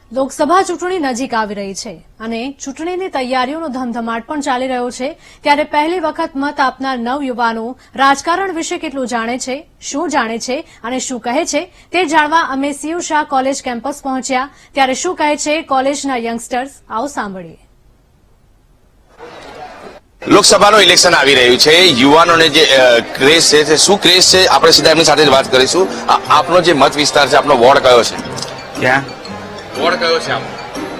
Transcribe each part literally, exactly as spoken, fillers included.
લોકસભા ચૂંટણી નજીક આવી રહી છે અને ચૂંટણીની તૈયારીઓનો ધમધમાટ પણ ચાલી રહ્યો છે ત્યારે પહેલી વખત મત આપનાર નવયુવાનો રાજકારણ વિશે કેટલું જાણે છે, શું જાણે છે અને શું કહે છે તે જાણવા અમે સીયુ શાહ કોલેજ કેમ્પસ પહોંચ્યા ત્યારે શું કહે છે કોલેજના યંગસ્ટર્સ, આવો સાંભળીએ. લોકસભાનું ઇલેક્શન આવી રહ્યું છે. યુવાનોને જે ક્રેઝ છે તે શું ક્રેઝ છે આપણે સીધા એમની સાથે જ વાત કરીશું. આપનો જે મત વિસ્તાર છે, આપનો વોર્ડ કયો છે? ક્યાં વોર્ડ કયો છે આપનો?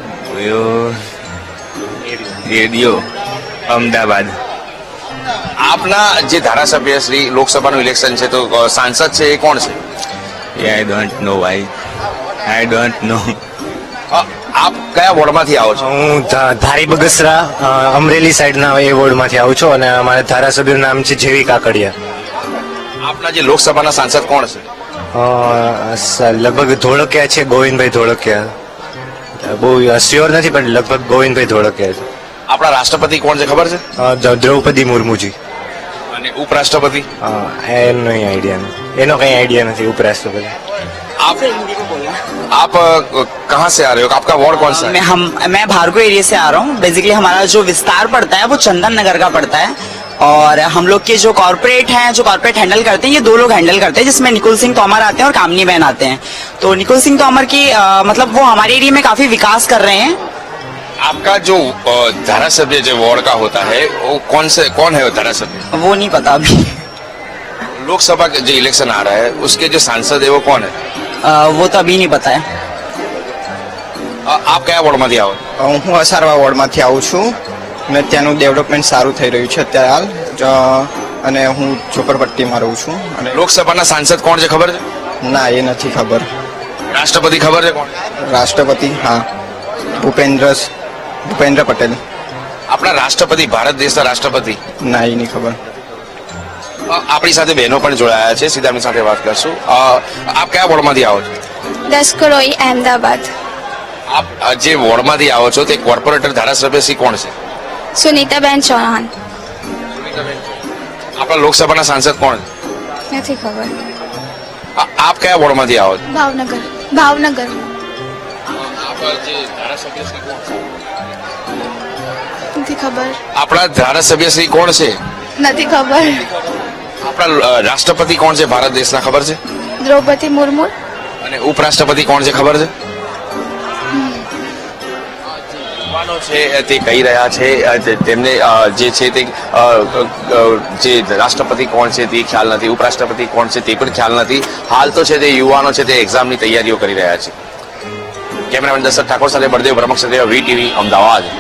રેડિયો અમદાવાદ. આપના જે ધારાસભ્ય શ્રી લોકસભાનું ઇલેક્શન છે તો સાંસદ છે એ કોણ છે? આઈ ડોન્ટ નો ભાઈ, આઈ ડોન્ટ નો. આપ કયા વોર્ડમાંથી આવો છો? હું ધા- ધારી બગસરા અ, અમરેલી સાઈડના એ વોર્ડમાંથી આવું છું અને અમારા ધારાસભ્યનું નામ છે જેવી કાકડિયા. આપના જે લોકસભાના સાંસદ કોણ છે? અ, સ- લગભગ ધોળકિયા છે, ગોવિંદભાઈ ધોળકિયા. બહુ શ્યોર નથી પણ લગભગ ગોવિંદભાઈ ધોળકિયા છે. આપણા રાષ્ટ્રપતિ કોણ છે ખબર છે? અ, દ- દ્રૌપદી મુર્મુજી. અને ઉપરાષ્ટ્રપતિ? અ, એનો કઈ આઈડિયા નથી, એનો કઈ આઈડિયા નથી ઉપરાષ્ટ્રપતિ. आप आप अ, कहाँ से आ रहे हो? आपका वॉर्ड कौन सा है? मैं हम मैं भार्गव एरिया से आ रहा हूँ. बेसिकली हमारा जो विस्तार पड़ता है वो चंदन नगर का पड़ता है और हम लोग के जो कॉर्पोरेट हैं, जो कॉर्पोरेट हैंडल करते हैं, ये दो लोग हैंडल करते हैं जिसमें निकुल सिंह तोमर आते हैं और कामनी बहन आते हैं. तो निकुल सिंह तोमर की अ, मतलब वो हमारे एरिया में काफी विकास कर रहे हैं. आपका जो अ, धारासभ्य जो वार्ड का होता है वो कौन से कौन है वो धारासभ्य? वो नहीं पता अभी. लोकसभा के जो इलेक्शन आ रहा है उसके जो सांसद है वो कौन है? अ, वो तो अभी नहीं पता है. अ, आप कया वोर्डમાંથી આવો? હું અસારવા વોર્ડમાંથી આવું છું અને ત્યાંનું ડેવલપમેન્ટ સારું થઈ રહ્યું છે અત્યારે હાલ જ- અને હું ઝોપડપટ્ટીમાં રહું છું. અને લોકસભાના સાંસદ કોણ છે ખબર છે? ના, એ નથી ખબર. રાષ્ટ્રપતિ ખબર છે કોણ? રાષ્ટ્રપતિ, હા, ભૂપેન્દ્ર ભૂપેન્દ્ર પટેલ. આપણા રાષ્ટ્રપતિ, ભારત દેશના રાષ્ટ્રપતિ? ના, એ નહીં ખબર. અ, આપણી સાથે બહેનો પણ જોડાયા છે, સીધા એમની સાથે વાત કરશું. અ, આપ કયા વોર્ડમાંથી આવો છો? દસકરોઈ અહેમદાબાદ. આપ અ, જે વોર્ડમાંથી આવો છો તે કોર્પોરેટર ધારાસભ્ય શ્રી કોણ છે? સુનીતાબેન ચૌહાણ. આપણા લોકસભાના સાંસદ કોણ છે? નથી ખબર. અ, આપ કયા વોર્ડમાંથી આવો છો? ભાવનગર. ભાવનગર. આપ જે ધારાસભ્ય શ્રી કોણ છે? નથી ખબર. આપણા ધારાસભ્ય શ્રી કોણ છે? નથી ખબર. આપણા અ, રાષ્ટ્રપતિ કોણ છે ભારત દેશના ખબર છે? દ્રૌપદી મુર્મુ. અને ઉપરાષ્ટ્રપતિ કોણ છે ખબર છે? યુવાનો છે તે કહી રહ્યા છે અ, તે- તેમને અ, જે છે તે અ, અ, જે રાષ્ટ્રપતિ કોણ છે તે ખ્યાલ નથી, ઉપરાષ્ટ્રપતિ કોણ છે તે પણ ખ્યાલ નથી. હાલ તો છે તે યુવાનો છે તે એક્ઝામની તૈયારીઓ કરી રહ્યા છે. કેમેરામેન દશરથ ઠાકોર સાથે બળદેવ બ્રહ્મક્ષત્રિય, વી ટીવી, અમદાવાદ.